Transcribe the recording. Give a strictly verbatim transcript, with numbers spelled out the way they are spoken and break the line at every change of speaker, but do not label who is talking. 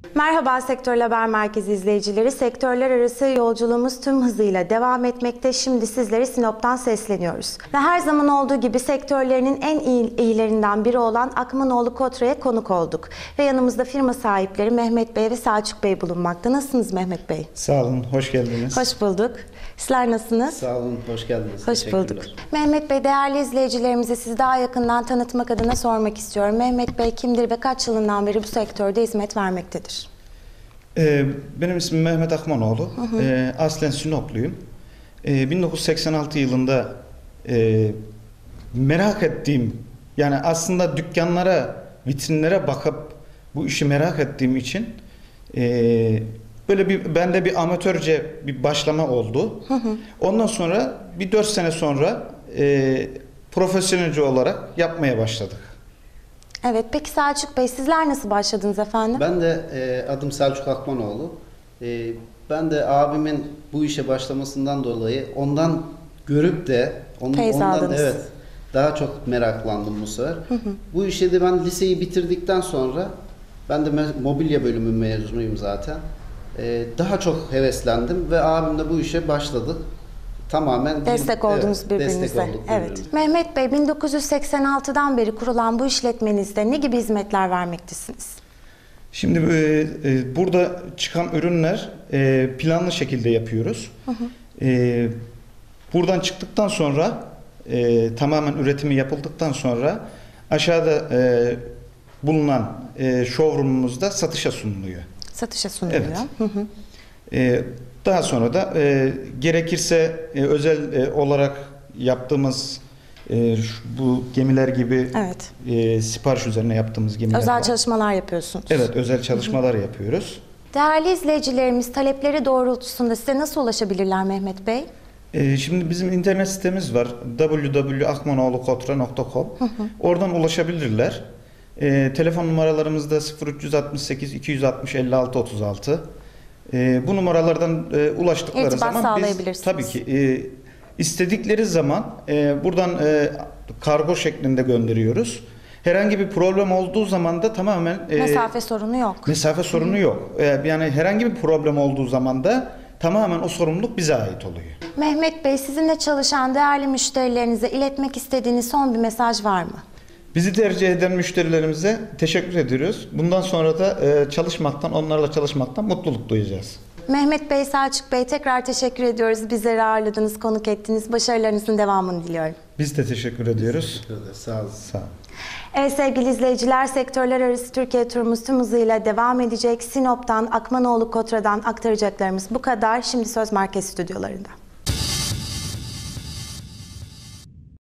Merhaba Sektör Haber Merkezi izleyicileri. Sektörler arası yolculuğumuz tüm hızıyla devam etmekte. Şimdi sizlere Sinop'tan sesleniyoruz. Ve her zaman olduğu gibi sektörlerinin en iyi, iyilerinden biri olan Akmanoğlu Kotra'ya konuk olduk. Ve yanımızda firma sahipleri Mehmet Bey ve Selçuk Bey bulunmakta. Nasılsınız Mehmet Bey?
Sağ olun, hoş geldiniz.
Hoş bulduk. Sizler nasılsınız?
Sağ olun, hoş geldiniz.
Hoş bulduk. Mehmet Bey, değerli izleyicilerimize sizi daha yakından tanıtmak adına sormak istiyorum. Mehmet Bey kimdir ve kaç yılından beri bu sektörde hizmet vermektedir?
Ee, benim ismim Mehmet Akmanoğlu. Hı hı. Ee, aslen Sinopluyum. Ee, bin dokuz yüz seksen altı yılında e, merak ettiğim, yani aslında dükkanlara, vitrinlere bakıp bu işi merak ettiğim için e, böyle bir bende bir amatörce bir başlama oldu. Hı hı. Ondan sonra bir dört sene sonra e, profesyonelce olarak yapmaya başladık.
Evet, peki Selçuk Bey, sizler nasıl başladınız efendim?
Ben de e, adım Selçuk Akmanoğlu. E, ben de abimin bu işe başlamasından dolayı ondan görüp de onun,
Feyz
ondan
aldınız.
evet daha çok meraklandım bu sefer. Hı hı. Bu işe de ben liseyi bitirdikten sonra ben de mobilya bölümü mezunuyum zaten. E, daha çok heveslendim ve abimle bu işe başladık. Tamamen
destek
bir,
oldunuz
evet,
birbirinize.
Destek olduk birbirimize.
Evet. Mehmet Bey, bin dokuz yüz seksen altıdan beri kurulan bu işletmenizde ne gibi hizmetler vermektesiniz?
Şimdi e, e, burada çıkan ürünler e, planlı şekilde yapıyoruz. Hı hı. E, buradan çıktıktan sonra e, tamamen üretimi yapıldıktan sonra aşağıda e, bulunan e, showroom'umuzda satışa sunuluyor.
Satışa sunuluyor.
Evet.
Hı hı.
E, daha sonra da e, gerekirse e, özel e, olarak yaptığımız e, şu, bu gemiler gibi
Evet.
e, sipariş üzerine yaptığımız gemiler
Özel
var.
çalışmalar yapıyorsunuz.
Evet, özel çalışmalar hı hı. yapıyoruz.
Değerli izleyicilerimiz, talepleri doğrultusunda size nasıl ulaşabilirler Mehmet Bey?
Ee, şimdi bizim internet sitemiz var, w w w nokta akmanoğlu kotra nokta com. Oradan ulaşabilirler. Ee, telefon numaralarımız da sıfır üç altı sekiz iki yüz altmış elli altı otuz altı. Ee, bu numaralardan e, ulaştıkları
İrtibat
zaman
sağlayabilirsiniz.
biz tabii ki e, istedikleri zaman e, buradan e, kargo şeklinde gönderiyoruz. Herhangi bir problem olduğu zaman da tamamen e,
Mesafe sorunu yok.
Mesafe sorunu Hı. yok. E, yani herhangi bir problem olduğu zaman da tamamen o sorumluluk bize ait oluyor.
Mehmet Bey, sizinle çalışan değerli müşterilerinize iletmek istediğiniz son bir mesaj var mı?
Bizi tercih eden müşterilerimize teşekkür ediyoruz. Bundan sonra da e, çalışmaktan, onlarla çalışmaktan mutluluk duyacağız. Mehmet
Bey, Selçuk Bey, tekrar teşekkür ediyoruz. Bizleri ağırladınız, konuk ettiniz. Başarılarınızın devamını diliyorum.
Biz de teşekkür ediyoruz.
Teşekkür ederiz. Sağ olun.
Sağ olun.
Evet sevgili izleyiciler, sektörler arası Türkiye turumuz tüm hızıyla devam edecek. Sinop'tan, Akmanoğlu Kotra'dan aktaracaklarımız bu kadar. Şimdi söz merkez stüdyolarında.